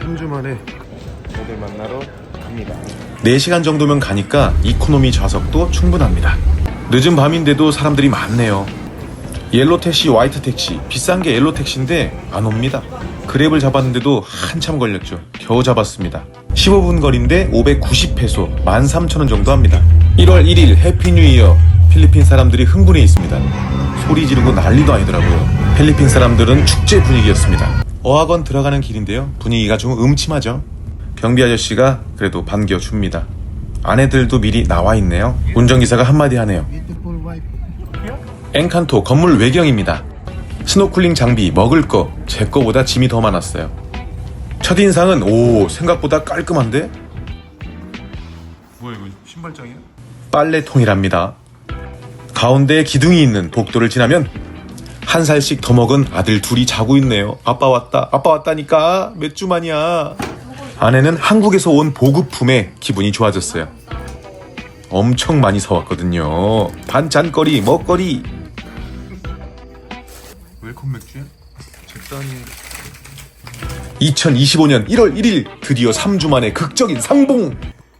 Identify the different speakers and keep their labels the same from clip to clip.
Speaker 1: 3주 만에 저들 만나러 갑니다.
Speaker 2: 4시간 정도면 가니까 이코노미 좌석도 충분합니다. 늦은 밤인데도 사람들이 많네요. 옐로 택시, 화이트 택시, 비싼 게 옐로 택시인데 안 옵니다. 그랩을 잡았는데도 한참 걸렸죠. 겨우 잡았습니다. 15분 거리인데 590페소, 13,000원 정도 합니다. 1월 1일 해피 뉴 이어. 필리핀 사람들이 흥분해 있습니다. 소리 지르고 난리도 아니더라고요. 필리핀 사람들은 축제 분위기였습니다. 어학원 들어가는 길인데요. 분위기가 좀 음침하죠. 경비 아저씨가 그래도 반겨줍니다. 아내들도 미리 나와 있네요. 운전기사가 한마디 하네요. 엔칸토 건물 외경입니다. 스노클링 장비, 먹을 거, 제 거보다 짐이 더 많았어요. 첫인상은 오, 생각보다 깔끔한데?
Speaker 1: 뭐야 이거 신발장이야?
Speaker 2: 빨래통이랍니다. 가운데에 기둥이 있는 복도를 지나면 한 살씩 더 먹은 아들 둘이 자고 있네요. 아빠 왔다, 아빠 왔다니까 몇 주 만이야. 아내는 한국에서 온 보급품에 기분이 좋아졌어요. 엄청 많이 사왔거든요. 반찬거리, 먹거리.
Speaker 1: 웰컴 맥주야? 적당히.
Speaker 2: 2025년 1월 1일 드디어 3주 만에 극적인 상봉.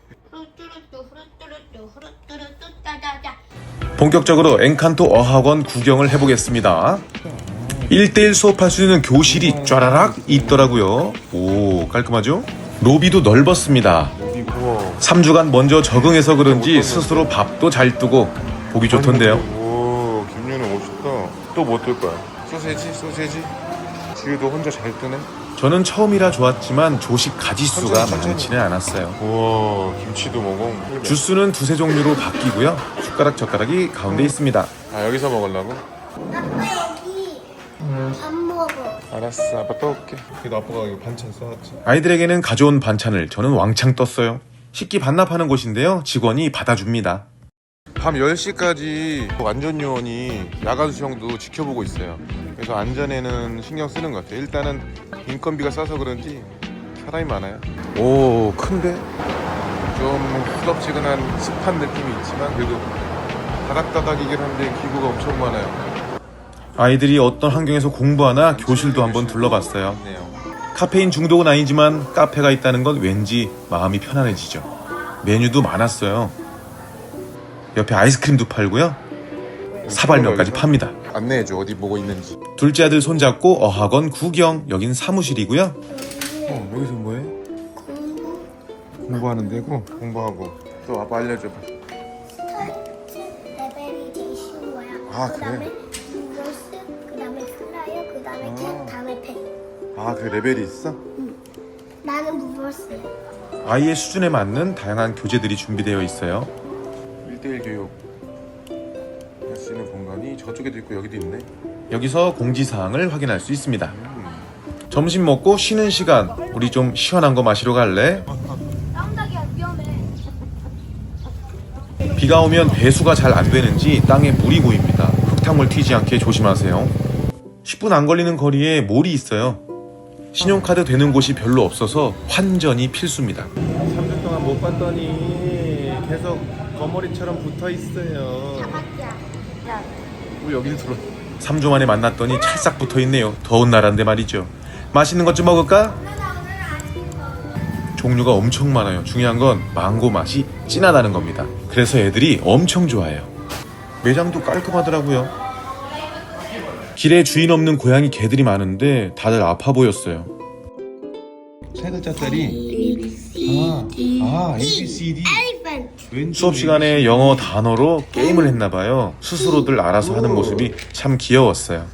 Speaker 2: 본격적으로 엔칸토 어학원 구경을 해보겠습니다. 1대1 수업할 수 있는 교실이 쫘라락 있더라고요. 오, 깔끔하죠? 로비도 넓었습니다. 3주간 먼저 적응해서 그런지 스스로 밥도 잘 뜨고 보기 좋던데요.
Speaker 1: 오, 김윤우 멋있다. 또 뭐 뜰 거야? 소세지? 지우도 혼자 잘 뜨네.
Speaker 2: 저는 처음이라 좋았지만 조식 가짓수가 많지는 않았어요.
Speaker 1: 우와, 김치도 먹어.
Speaker 2: 주스는 두세 종류로 바뀌고요. 숟가락 젓가락이 가운데 있습니다.
Speaker 1: 아, 여기서 먹으려고?
Speaker 3: 아빠 여기 밥 먹어.
Speaker 1: 알았어, 아빠 떠올게. 그래도 아빠가 이거 반찬 써왔지.
Speaker 2: 아이들에게는 가져온 반찬을 저는 왕창 떴어요. 식기 반납하는 곳인데요. 직원이 받아줍니다.
Speaker 1: 밤 10시까지 안전요원이 야간 수영도 지켜보고 있어요. 그래서 안전에는 신경 쓰는 것 같아요. 일단은 인건비가 싸서 그런지 사람이 많아요.
Speaker 2: 오, 큰데?
Speaker 1: 좀 후덥지근한 습한 느낌이 있지만 그래도 다닥다닥이긴 한데 기구가 엄청 많아요.
Speaker 2: 아이들이 어떤 환경에서 공부하나 교실도 한번 둘러봤어요.
Speaker 1: 네요.
Speaker 2: 카페인 중독은 아니지만 카페가 있다는 건 왠지 마음이 편안해지죠. 메뉴도 많았어요. 옆에 아이스크림도 팔고요. 사발면까지 팝니다.
Speaker 1: 안내해줘, 어디 보고 있는지.
Speaker 2: 둘째 아들 손잡고 어학원 구경. 여긴 사무실이고요.
Speaker 1: 여기서 뭐해? 공부하는 데고. 공부하고. 또 아빠 알려줘봐.
Speaker 3: 레벨이 되게 쉬운 거야.
Speaker 1: 아,
Speaker 3: 그다음에
Speaker 1: 그래?
Speaker 3: 리버스, 그다음에 플라이어, 그다음에 캣, 다음에 펜.
Speaker 1: 아, 그 레벨이 있어?
Speaker 3: 나는 무버스.
Speaker 2: 아이의 수준에 맞는 다양한 교재들이 준비되어 있어요.
Speaker 1: 1대1 교육 할 수 있는 공간이 저쪽에도 있고 여기도 있네.
Speaker 2: 여기서 공지사항을 확인할 수 있습니다. 점심 먹고 쉬는 시간, 우리 좀 시원한 거 마시러 갈래?
Speaker 3: 깜짝이야, 위험해.
Speaker 2: 비가 오면 배수가 잘 안 되는지 땅에 물이 고입니다. 흙탕물 튀지 않게 조심하세요. 10분 안 걸리는 거리에 몰이 있어요. 신용카드 되는 곳이 별로 없어서 환전이 필수입니다.
Speaker 1: 3주 동안 못 봤더니 계속 거머리처럼 붙어 있어요.
Speaker 3: 자박이야. 야,
Speaker 1: 우리 여기를 들어.
Speaker 2: 3주 만에 만났더니 찰싹 붙어 있네요. 더운 나라인데 말이죠. 맛있는 것 좀 먹을까? 종류가 엄청 많아요. 중요한 건 망고 맛이 진하다는 겁니다. 그래서 애들이 엄청 좋아해요. 매장도 깔끔하더라고요. 길에 주인 없는 고양이 개들이 많은데 다들 아파 보였어요.
Speaker 1: 세 글자짜리. ABCD.
Speaker 3: 엘리펀트.
Speaker 2: 수업 시간에 영어 단어로 게임을 했나봐요. 스스로들 알아서 하는 모습이 참 귀여웠어요.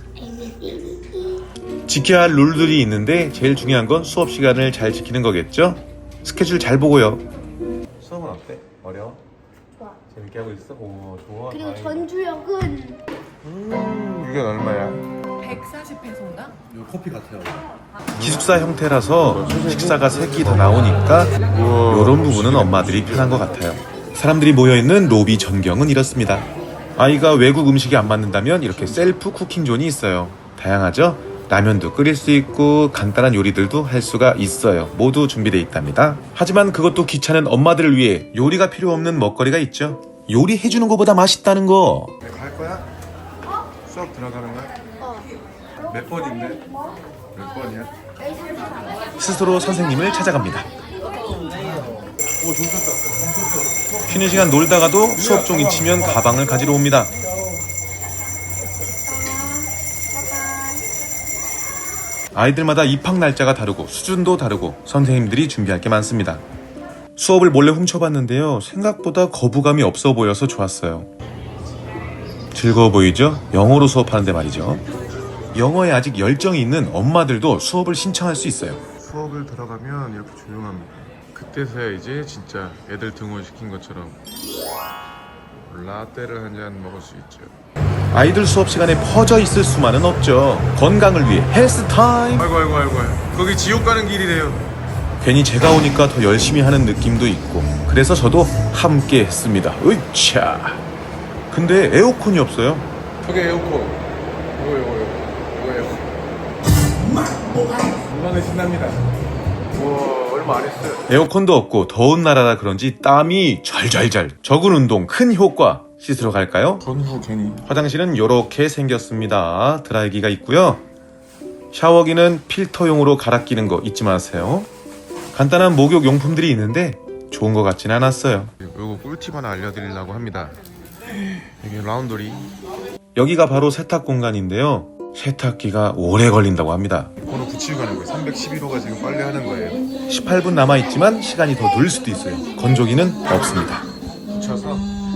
Speaker 2: 지켜야 할 룰들이 있는데 제일 중요한 건 수업 시간을 잘 지키는 거겠죠? 스케줄 잘 보고요.
Speaker 1: 수업은 어때? 어려워?
Speaker 3: 좋아.
Speaker 1: 재밌게 하고 있어? 오, 좋아.
Speaker 3: 그리고 전주역은
Speaker 1: 이게 얼마야?
Speaker 4: 140페소인가?
Speaker 1: 이거 커피 같아요.
Speaker 2: 기숙사 형태라서 식사가 3끼 다 나오니까 이런 부분은 엄마들이 편한 것 같아요. 사람들이 모여있는 로비 전경은 이렇습니다. 아이가 외국 음식이 안 맞는다면 이렇게 셀프 쿠킹 존이 있어요. 다양하죠? 라면도 끓일 수 있고 간단한 요리들도 할 수가 있어요. 모두 준비되어 있답니다. 하지만 그것도 귀찮은 엄마들을 위해 요리가 필요 없는 먹거리가 있죠. 요리해주는 것보다 맛있다는 거.
Speaker 1: 내가 할 거야? 수업 들어가는 거야? 몇 번인데? 몇 번이야?
Speaker 2: 스스로 선생님을 찾아갑니다. 쉬는 시간 놀다가도 수업 종이 치면 가방을 가지러 옵니다. 아이들마다 입학 날짜가 다르고 수준도 다르고 선생님들이 준비할 게 많습니다. 수업을 몰래 훔쳐봤는데요. 생각보다 거부감이 없어 보여서 좋았어요. 즐거워 보이죠? 영어로 수업하는데 말이죠. 영어에 아직 열정이 있는 엄마들도 수업을 신청할 수 있어요.
Speaker 1: 수업을 들어가면 이렇게 조용합니다. 그때서야 이제 진짜 애들 등원시킨 것처럼 라떼를 한 잔 먹을 수 있죠.
Speaker 2: 아이들 수업 시간에 퍼져 있을 수만은 없죠. 건강을 위해 헬스 타임.
Speaker 1: 아이고. 거기 지옥 가는 길이래요.
Speaker 2: 괜히 제가 오니까 더 열심히 하는 느낌도 있고 그래서 저도 함께 했습니다. 으차. 근데 에어컨이 없어요.
Speaker 1: 저게 에어컨. 이거 에어컨. 5만원 신납니다. 와, 얼마 안 했어요.
Speaker 2: 에어컨도 없고 더운 나라라 그런지 땀이 잘잘잘. 적은 운동 큰 효과. 씻으러 갈까요?
Speaker 1: 전후 괜히.
Speaker 2: 화장실은 이렇게 생겼습니다. 드라이기가 있고요. 샤워기는 필터용으로 갈아 끼는 거 잊지 마세요. 간단한 목욕 용품들이 있는데 좋은 것 같진 않았어요.
Speaker 1: 이거 꿀팁 하나 알려드리려고 합니다. 이게 라운드리.
Speaker 2: 여기가 바로 세탁 공간인데요. 세탁기가 오래 걸린다고 합니다.
Speaker 1: 번호 붙이고 가는 거예요. 311호가 지금 빨래하는 거예요.
Speaker 2: 18분 남아있지만 시간이 더 늘 수도 있어요. 건조기는 없습니다.
Speaker 1: 붙여서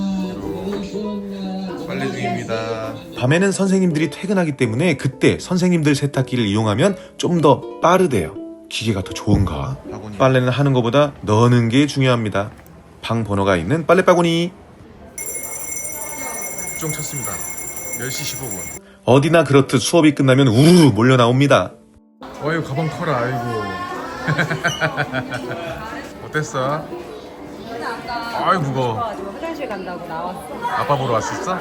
Speaker 1: 이렇게 빨래 중입니다.
Speaker 2: 밤에는 선생님들이 퇴근하기 때문에 그때 선생님들 세탁기를 이용하면 좀 더 빠르대요. 기계가 더 좋은가? 빨래는 하는 것보다 넣는 게 중요합니다. 방 번호가 있는 빨래바구니.
Speaker 1: 좀 쳤습니다. 10시 15분.
Speaker 2: 어디나 그렇듯 수업이 끝나면 우르르 몰려 나옵니다.
Speaker 1: 어이 가방 커라. 아이고. 어땠어? 아이 무거워.
Speaker 4: 화장실 간다고 나왔어.
Speaker 1: 아빠 보러 왔었어?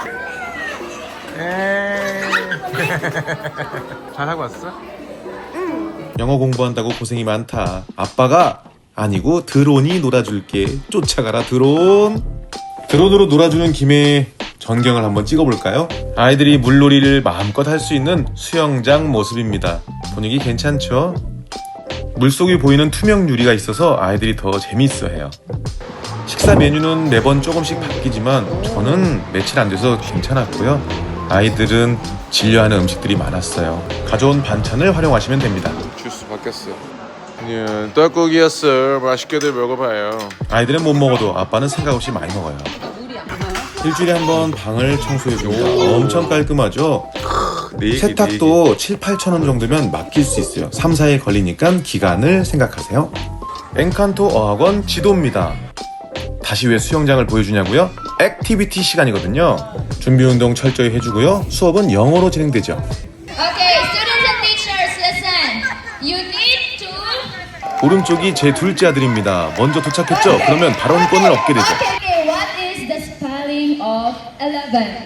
Speaker 1: 잘하고 왔어?
Speaker 2: 영어 공부한다고 고생이 많다. 아빠가 아니고 드론이 놀아줄게. 쫓아가라 드론. 드론으로 놀아주는 김에 전경을 한번 찍어볼까요? 아이들이 물놀이를 마음껏 할 수 있는 수영장 모습입니다. 분위기 괜찮죠? 물속이 보이는 투명 유리가 있어서 아이들이 더 재미있어해요. 식사 메뉴는 매번 조금씩 바뀌지만 저는 며칠 안 돼서 괜찮았고요. 아이들은 질려하는 음식들이 많았어요. 가져온 반찬을 활용하시면 됩니다.
Speaker 1: 주스 바뀌었어. 그냥 떡국이었어. 맛있게들 먹어봐요.
Speaker 2: 아이들은 못 먹어도 아빠는 생각 없이 많이 먹어요. 일주일에 한 번 방을 청소해줍니다. 엄청 깔끔하죠? 세탁도 7, 8천 원 정도면 맡길 수 있어요. 3, 4일 걸리니까 기간을 생각하세요. 엔칸토 어학원 지도입니다. 다시 왜 수영장을 보여주냐고요? 액티비티 시간이거든요. 준비 운동 철저히 해주고요. 수업은 영어로 진행되죠.
Speaker 5: Okay, students and teachers, listen. You need to.
Speaker 2: 오른쪽이 제 둘째 아들입니다. 먼저 도착했죠? 그러면 발언권을 얻게 되죠.
Speaker 5: Okay, what is the spelling of 11?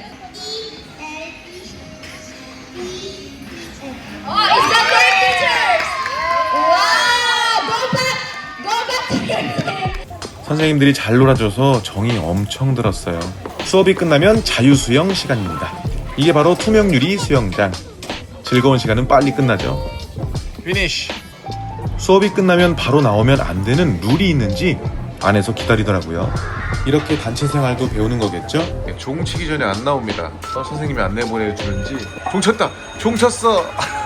Speaker 5: Oh, is that correct, teachers? Wow! Go back to your seat.
Speaker 2: 선생님들이 잘 놀아줘서 정이 엄청 들었어요. 수업이 끝나면 자유수영 시간입니다. 이게 바로 투명유리 수영장. 즐거운 시간은 빨리 끝나죠.
Speaker 1: 피니쉬.
Speaker 2: 수업이 끝나면 바로 나오면 안 되는 룰이 있는지 안에서 기다리더라고요. 이렇게 단체 생활도 배우는 거겠죠?
Speaker 1: 종 치기 전에 안 나옵니다. 선생님이 안내 보내주는지. 종 쳤다. 종 쳤어.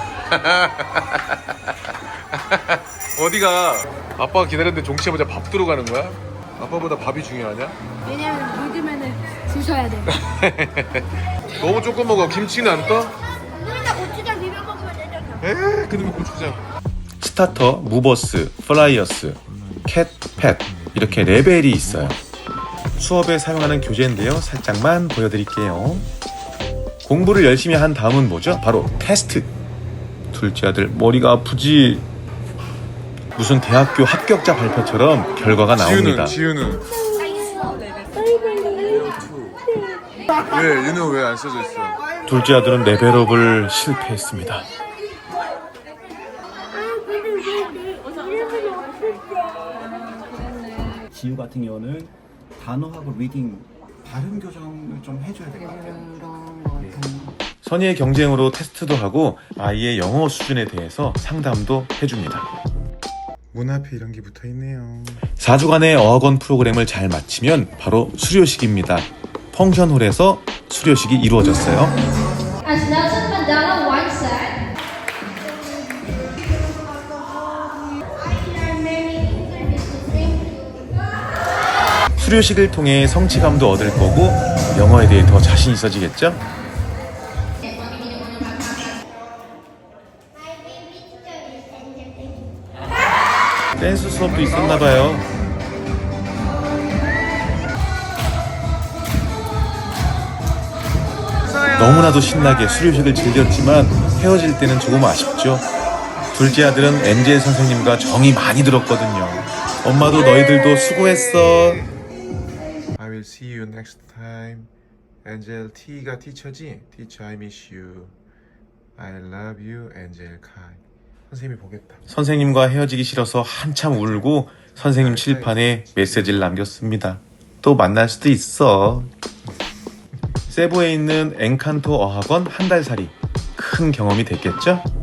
Speaker 1: 어디가? 아빠가 기다렸는데 종 치자마자 밥 들어가는 거야? 아빠보다 밥이 중요하냐?
Speaker 3: 왜냐면 믿으면은 주셔야 돼.
Speaker 1: 너무 조금 먹어. 김치는 안 떠?
Speaker 3: 우리가 고추장 비벼 먹으면 되잖아.
Speaker 1: 에? 그놈의 고추장.
Speaker 2: 스타터, 무버스, 플라이어스, 캣, 팻 이렇게 레벨이 있어요. 수업에 사용하는 교재인데요. 살짝만 보여드릴게요. 공부를 열심히 한 다음은 뭐죠? 바로 테스트. 둘째 아들 머리가 아프지? 무슨 대학교 합격자 발표처럼 결과가 나옵니다.
Speaker 1: 지우는. 왜? 윤우 왜 안 써져 있어?
Speaker 2: 둘째 아들은 레벨업을 실패했습니다.
Speaker 3: 아, 근데 왜내 이름은 없을까?
Speaker 6: 지우 같은 경우는 단어하고 리딩 발음 교정을 좀 해줘야 될 것 같아요.
Speaker 2: 선의의 경쟁으로 테스트도 하고 아이의 영어 수준에 대해서 상담도 해줍니다.
Speaker 1: 문 앞에 이런 게 붙어 있네요.
Speaker 2: 4주간의 어학원 프로그램을 잘 마치면 바로 수료식입니다. 펑션홀에서 수료식이 이루어졌어요.
Speaker 5: As Nelson Mandela once said,
Speaker 2: 수료식을 통해 성취감도 얻을 거고 영어에 대해 더 자신 있어지겠죠? 댄스 수업도 있었나 봐요. 너무나도 신나게 수료식을 즐겼지만 헤어질 때는 조금 아쉽죠. 둘째 아들은 엔젤 선생님과 정이 많이 들었거든요. 엄마도 너희들도 수고했어.
Speaker 1: I will see you next time. 엔젤 T가 티처지? Teacher, I miss you. I love you, 엔젤 카이. 선생님이 보겠다.
Speaker 2: 선생님과 헤어지기 싫어서 한참 울고 선생님 칠판에 메시지를 남겼습니다. 또 만날 수도 있어. 세부에 있는 엔칸토 어학원 한 달 살이 큰 경험이 됐겠죠?